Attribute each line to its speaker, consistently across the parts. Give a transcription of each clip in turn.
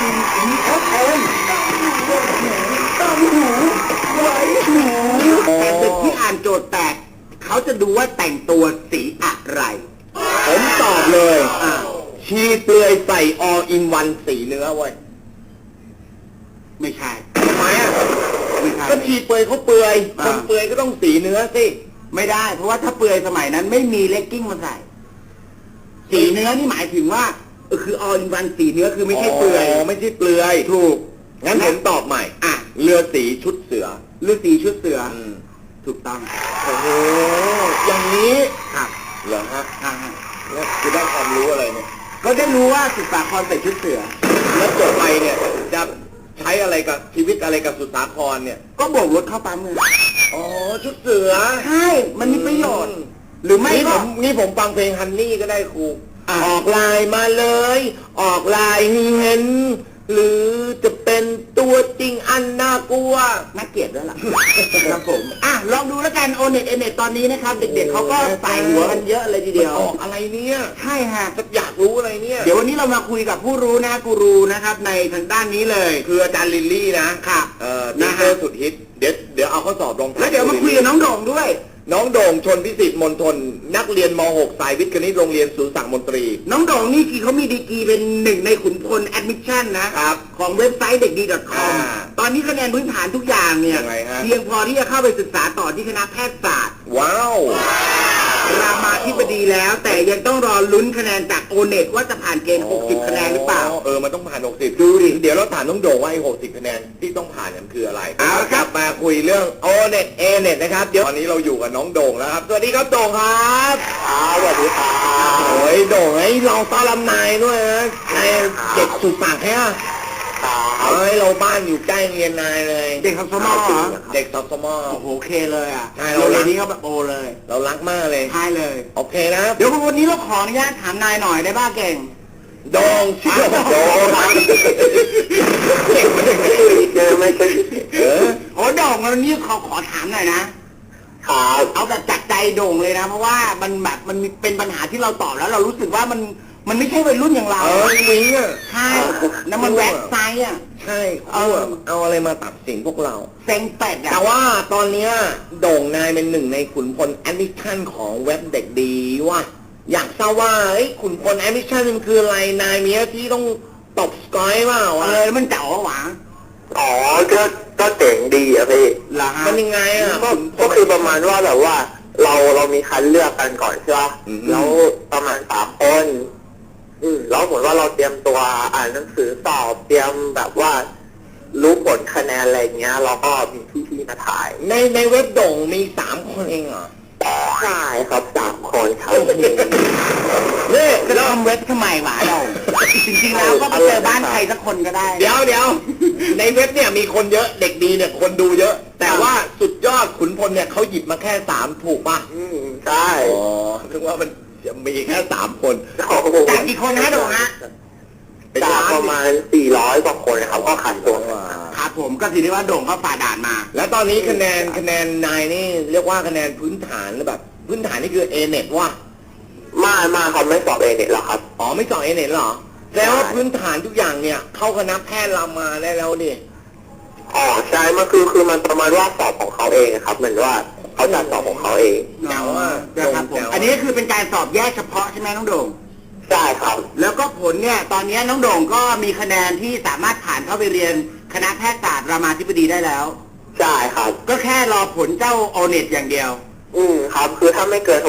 Speaker 1: EFM ตามหูไว้หูแต่เด็กที่อ่านโจทย์แตกเขาจะดูว่าแต่งตัวสีอะไร
Speaker 2: ผมตอบเลยชีเปลือยใส่ all in one สีเนื้อไว้
Speaker 1: ไม่ใช่
Speaker 2: ทำไม
Speaker 1: ไม่ใช่
Speaker 2: ก็ชีเปลือยเขาเปลือยคนเปลือยก็ต้องสีเนื้อสิ
Speaker 1: ไม่ได้เพราะว่าถ้าเปลือยสมัยนั้นไม่มีเลกกิ้งมาใส่สีเนื้อนี่หมายถึงว่าคือ all in one สีเนื้อคือไม่ใช่เปลือย
Speaker 2: ไม่ใช่เปลือย
Speaker 1: ถูก
Speaker 2: งั้นผมตอบใหม่เรือสีชุดเสือ
Speaker 1: เรือสีชุดเสือถูกต้อง
Speaker 2: โอ้โหอย่างนี้
Speaker 1: ครับ
Speaker 2: เหรอฮะเนี่ยคือได้ความรู้อะไรเนี่ย
Speaker 1: ก็ได้รู้ว่าสุสาครใส่ชุดเสือ
Speaker 2: แล้วจบไปเนี่ยจะใช้อะไรกับชีวิตอะไรกับสุสาครเนี่ย
Speaker 1: ก็โบกรถเข้าปั๊มเงิน
Speaker 2: อ๋อชุดเสือ
Speaker 1: ใช่มันมีประโยชน์หรือไม่ก็
Speaker 2: นี่ผมฟังเพลงฮันนี่ก็ได้ครูออกลายมาเลยออกลายเห็นหรือจะเป็นตัวจริงอันน่ากลัว
Speaker 1: น่าเกลียดด้วยล่ะครับผมลองดูแล้วกันโอเน็ตตอนนี้นะครับเด็กๆเขาก็ใส่หัวกันเยอะเลยทีเดียว
Speaker 2: ออกอะไรเนี่ย
Speaker 1: ใช่ฮะ
Speaker 2: อยากรู้อะไรเนี่ย
Speaker 1: เดี๋ยววันนี้เรามาคุยกับผู้รู้นะกูรูนะครับในทางด้านนี้เลย
Speaker 2: คืออาจารย์ลิลลี่นะครับนะฮะสุดฮิตเดี๋ยวเอาข้อสอบลง
Speaker 1: แล้วเดี๋ยวมาคุยกับน้องโด่งด้วย
Speaker 2: น้องโด่งชนพิสิทธิ์มณฑลนักเรียนม .6 สายวิทย์คณิตโรงเรียนศูนย์ศักดิ์มนตรี
Speaker 1: น้องโด่งนี่เขามีดีกรีเป็นหนึ่งในขุนพลแอดมิชชั่นนะครับของเว็บไซต์เด็กดี .com ตอนนี้คะแนนพื้นฐานทุกอย่างเนี่ยเพียงพอที่จะเข้าไปศึกษาต่อที่คณะแพทยศาสตร์
Speaker 2: ว้าว
Speaker 1: รามาธิบดีแล้วแต่ยังต้องรอลุ้นคะแนนจากโอเน็ตว่าจะผ่านเกณฑ์60คะแนนหรือเปล่า
Speaker 2: มันต้องผ่าน60ดูดิเดี๋ยวเราถามน้องโด่งว่าไอ้60คะแนนที่ต้องผ่านนั้นคืออะไรกลับมาคุยเรื่องโอเน็ตนะครับเดี๋ยวตอนนี้เราอยู่กับน้องโด่งแล้วครับสวัสดีครับโด่งครับ
Speaker 3: สวัสดีครับ
Speaker 2: โอ้ยโด่งไอ้เราต้อนรับนายด้วยนะนายเด็กสุดปากแค่เราบ้านอยู่ใกล้เรียนนายเลย
Speaker 1: เด็กสมอ
Speaker 2: เด็กสมอ
Speaker 1: โอ้โหเคเลย
Speaker 2: ใช่เราเรี
Speaker 1: ย
Speaker 2: น
Speaker 1: นี้เขาแบบโอเลย
Speaker 2: เรารักมากเลย
Speaker 1: ใช่เลย
Speaker 2: โอเคนะ
Speaker 1: เดี๋ยววันนี้เราขออนุญาตถามนายหน่อยได้บ้าเก่ง
Speaker 2: โด่งชื่อโด่งเก่ง
Speaker 3: ไม่ใช่
Speaker 1: โอ้โด่งวันนี้ขอถามหน่อยนะเอาแบบจัดใจโด่งเลยนะเพราะว่ามันแบบมันเป็นปัญหาที่เราตอบแล้วเรารู้สึกว่ามันไม่ใช่วัยรุ่นอย่างเรา
Speaker 2: วิ้ง
Speaker 1: ใช่แล้วมันแว็กไซด์
Speaker 2: ใช่เอาอะไรมาตัดสินพวกเรา
Speaker 1: เซ็งเป็ด
Speaker 2: แต่ว่าตอนนี้โด่งนายเป็นหนึ่งในขุนพลแอดมิชชั่นของเว็บเด็กดีว่าอยากทราบว่าขุนพลแอดมิชชั่นมันคืออะไรนายมีหน้าที่ต้องตบสกอยเปล่า
Speaker 1: แล้วมันเจ๋อหวาน
Speaker 3: ก็เจ๋งดีอะพี่
Speaker 2: มันยังไง
Speaker 3: ก็คือประมาณว่าแบบว่าเรามีคัดเลือกกันก่อนใช่ไหมแล้วประมาณ3 คนแล้วเหมือนว่าเราเตรียมตัวอ่านหนังสือสอบเตรียมแบบว่ารู้ผลคะแนนอะไรเงี้ยเราก็มีพี่ๆมาถ่าย
Speaker 2: ในเว็บโด่งมี3 คนเองเหรอ
Speaker 3: ใช่ครับ3 คนครับ
Speaker 1: เนี่ยจะทำเว็บทำไมวะเราจริงๆแล้วก็ไปเจอบ้านใครสักคนก็ได้
Speaker 2: เดี๋ยวในเว็บเนี่ยมีคนเยอะเด็กดีเนี่ยคนดูเยอะแต่ว่าสุดยอดขุนพลเนี่ยเขาหยิบมาแค่3ถูกป่ะ
Speaker 3: ใช่
Speaker 2: ถึงว่ามันจะมีแค่3 คน
Speaker 1: จากกี่คนนะโด่งฮะ
Speaker 3: จากประมาณ400 กว่าคนครับก็ขันตัว
Speaker 1: ครับผมก็ถือได้ว่าโด่งเขาฝ่าด่านมา
Speaker 2: แล้วตอนนี้คะแนนนายนี่เรียกว่าคะแนนพื้นฐานแบบพื้นฐานนี่คือเน็ตว่า
Speaker 3: มาเขาไม่สอบเน็ตหรอครับ
Speaker 2: ไม่สอบเน็ตหรอแล้วพื้นฐานทุกอย่างเนี่ยเข้าคณะแพทย์รามาได้แล้วดิ
Speaker 3: ใช่มันคือมันประมาณว่าสอบของเขาเองครับเหมือนว่าเขาจัดสอบของเขาเอง
Speaker 1: ครับผมอันนี้คือเป็นการสอบแยกเฉพาะใช่ไหมน้องโด่ง
Speaker 3: ใช่ครับ
Speaker 1: แล้วก็ผลเนี่ยตอนนี้น้องโด่งก็มีคะแนนที่สามารถผ่านเข้าไปเรียนคณะแพทยศาสตร์รามาธิบดีได้แล้ว
Speaker 3: ใช่ครับ
Speaker 1: ก็แค่รอผลเจ้าโอเน็ตอย่างเดียว
Speaker 3: ครับคือถ้าไม่เกิน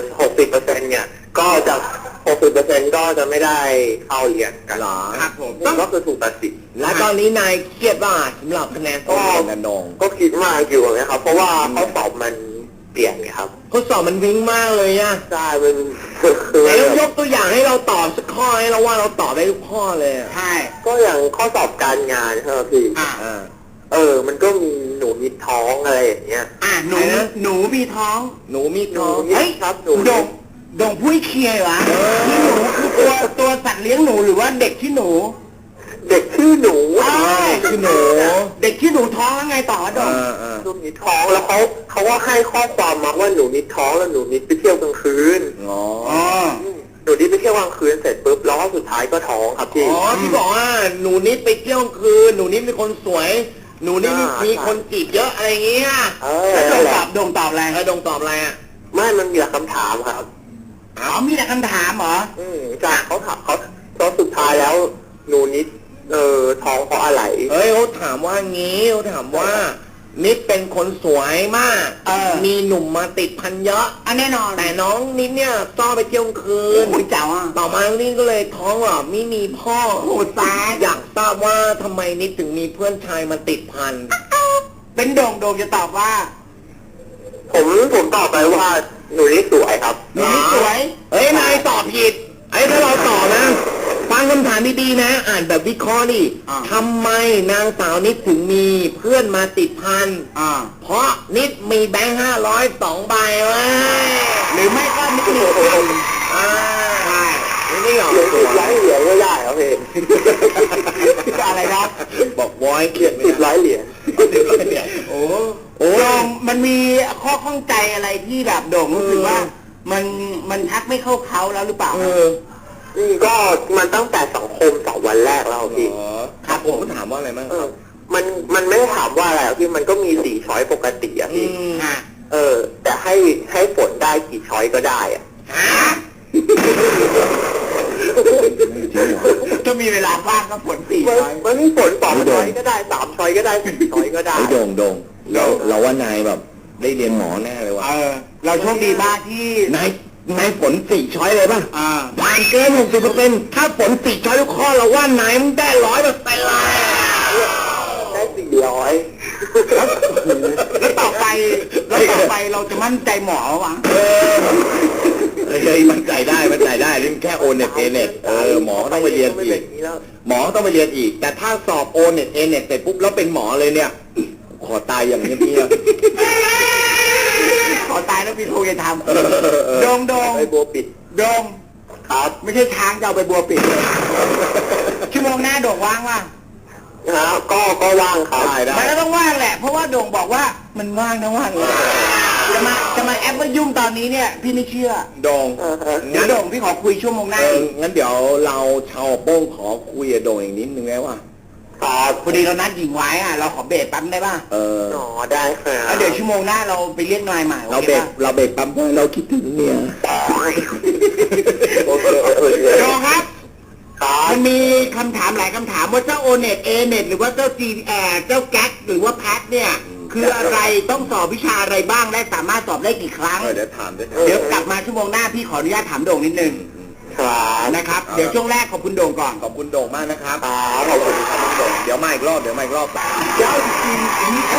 Speaker 3: 60%เนี่ยก็จะ60%ก็จะไม่ได้เข้าเรียนกัน
Speaker 2: หรอ
Speaker 1: ครับผม
Speaker 3: ก็คือถูกตัดสิน
Speaker 2: และตอนนี้นายเครียดว่าสำหรับคะแนนสอบนันดง
Speaker 3: ก็คิดมากอยู่นะครับเพราะว่าข้อสอบมันเปลี่ยนไงครับ
Speaker 2: ข้อสอบมันวิ่งมากเลยอะ
Speaker 3: ใช่มัน
Speaker 2: แล้วยกตัวอย่างให้เราตอบสักข้อให้เราว่าเราตอบได้ทุกข้อเลย
Speaker 1: ใช่
Speaker 3: ก็อย่างข้อสอบการงานใช่ไหมพี่มันก็มีหนูมีท้องอะไรอย่างเงี้ย
Speaker 1: หนูมีท้อง
Speaker 3: เฮ้ยครับหนู
Speaker 1: โด่งพูดเคลียร์วะนี่หนูคือตัวสัตว์เลี้ยงหนูหรือว่าเด็กที่หนู
Speaker 3: เด็กชื่อหนู
Speaker 2: ชื่อหนู
Speaker 1: เด็กที่หนูท้องแล้วไงต่อโด่ง
Speaker 3: หนูมีท้องแล้วเขาว่าให้ข้อความมาว่าหนูมีท้องแล้วหนูมีไปเที่ยวกลางคืนหนูนิดไปเที่ยวกลางคืนเสร็จปุ๊บแล้วก็สุดท้ายก็ท้องครับพี่
Speaker 2: อ๋อที่บอกว่าหนูนิดไปเที่ยวคืนหนูนิดเป็นคนสวย หนูนิดมีคนจีบเยอะอะไรอย่างเงี้ย
Speaker 1: แล้ว
Speaker 3: นั่นแหละ
Speaker 1: โด่งตอบอะไร
Speaker 2: แล้วดงตอบอะไรอ่ะ
Speaker 3: ไม่มันมีแต่คำถามครับ
Speaker 1: อ๋อมีแต่คำถามเหรอ
Speaker 3: จากเขาถามเขาตอนสุดท้ายแล้วหนูนิดท้องเพราะอะไร
Speaker 2: เฮ้ยเขาถามว่างี้เขาถามว่า นิดเป็นคนสวยมาก มีหนุ่มมาติดพันเยอะ
Speaker 1: อันแน่นอน
Speaker 2: แต่น้องนิดเนี่ยชอบไปเที่ยวคืน
Speaker 1: โอ้ยเจ๋าอ่ะ
Speaker 2: ต่อมานี่ก็เลยท้องหรอไม่มีพ่อ
Speaker 1: โอ้ตาย
Speaker 2: อยากทราบว่าทำไมนิดถึงมีเพื่อนชายมาติดพัน
Speaker 1: เป็นโด่งจะตอบว่า
Speaker 3: ผมตอบไปว่าหนูนิดสวยครับ
Speaker 1: หนูนิดสวย
Speaker 2: เฮ้ยนายตอบผิดไอ้ถ้าเราตอบนะฟังคำถามดีๆนะ อ่านแบบวิเคราะห์นี่
Speaker 1: อ่า
Speaker 2: ทำไมนางสาวนิดถึงมีเพื่อนมาติดพัน เพราะนิดมีแบงค์500 2 ใบเว้ย
Speaker 1: หรือไม่ก็นิดหนึ่ง
Speaker 2: อ่า
Speaker 1: ใช่
Speaker 2: นี่เหรอ
Speaker 3: เหรียญ
Speaker 2: ตั
Speaker 3: สิ
Speaker 2: ว
Speaker 3: บร้อยเหรียญก็ได้ครับพี่
Speaker 1: อะไรนะ
Speaker 2: บอกวอยเขี
Speaker 3: เหรี
Speaker 2: ย
Speaker 3: ย
Speaker 2: น
Speaker 3: ญ10 ร้อยเหรียญ
Speaker 1: โอ้โด่งมันมีข้อข้องใจอะไรที่แบบโด่งรู้สึกว่า มันทักไม่เข้าเขาแล้วหรือเปล่า
Speaker 3: ก็มันตั้งแต่สังคม2 วันแรกแล้วพี่
Speaker 2: ครับผมถามว่าอะไรบ้างครับ
Speaker 3: มันไม่ได้ถามว่าอะไรหรอกพี่มันก็มี4 ช้อยปกติอะพี่
Speaker 1: ฮะ
Speaker 3: แต่ให้ฝนได้กี่ช้อยก็ได้อะ
Speaker 1: ถ้ามีเวลาว่างก็ผลสี่
Speaker 3: มัน
Speaker 1: ร้อย
Speaker 3: มันมีฝน2 ช้อยก็ได้3 ช้อยก็ได้4 ช้อยก็ได้
Speaker 2: ไอ้โด่งเราว่านายแบบได้เรียนหมอแน่เลยว่ะ
Speaker 1: เราโชคดีมากที่
Speaker 2: นายฝน4 ช้อยเลยป่ะ ผ่านเกิน60%ถ้าฝน4 ช้อยทุกข้อเราว่านายมันได้100%เลย
Speaker 3: ได้400
Speaker 1: แล้วต่อไปเราจะมั่นใจหมอวะ
Speaker 2: เฮ้ยมันใจได้นี่มันแค่โอเน็ตเอเน็ตหมอต้องไปเรียนอีกหมอต้องไปเรียนอีก แต่ถ้าสอบโอเน็ตเอเน็ตเสร็จปุ๊บแล้วเป็นหมอเลยเนี่ย ขอตายอย่างเงี้ยบ
Speaker 1: ขอตายแล้วพี่โทจะทำโดง
Speaker 3: ไปบัวปิด
Speaker 1: โดง
Speaker 3: ครับ
Speaker 1: ไม่ใช่ช้างจะเอาไปบัวปิดเลยชั่วโมงหน้าโด่งว่างว่ะ
Speaker 3: ก็ว่างครับ
Speaker 2: ได้
Speaker 1: มันก็ต้องว่างแหละ เพราะว่าโด่งบอกว่ามันว่างทั้งวันเลยจะมาแอปว่ายุ่งตอนนี้เนี่ยพี่ไม่เชื่อ
Speaker 2: โด่ง
Speaker 1: เดี๋ยวโด่งพี่ขอคุยชั่วโมงหน้าอีก
Speaker 2: งั้นเดี๋ยวเราชาวโป้งขอคุยกับโด่งอีกนิดนึงแล้วว่า
Speaker 3: ครับ
Speaker 1: พอดีเรานัดหญิงไว้อะเราขอเบรกแป๊บได้ป่ะ
Speaker 3: ได้ครับ
Speaker 1: แล้วเดี๋ยวชั่วโมงหน้าเราไปเรียกนายใหม่
Speaker 2: เราเบรกปั๊มเพราะเราคิดถึงเมีย
Speaker 3: โอเค
Speaker 1: โด่งครับ
Speaker 3: ครับ
Speaker 1: มันมีคำถามหลายคำถามว่าเจ้าโอเน็ตเอเน็ตหรือว่าเจ้าจีเจ้าแก๊กหรือว่าแพทเนี่ย คืออะไรต้องสอบวิชาอะไรบ้างและสามารถสอบได้กี่ครั้ง
Speaker 2: เดี๋ยวถามด้วย
Speaker 1: เดี๋ยวกลับมาชั่วโมงหน้าพี่ขออนุญาตถามโด่งนิดนึง
Speaker 3: ครับ
Speaker 1: นะครับ เดี๋ยวช่วงแรกขอบคุณโด่งก่อน
Speaker 2: ขอบคุณโด่งมากนะครับ
Speaker 3: ขอบคุณครับ
Speaker 2: โด่งเดี๋ยวมาอีกรอบ
Speaker 1: เจ้าจริงอันนี้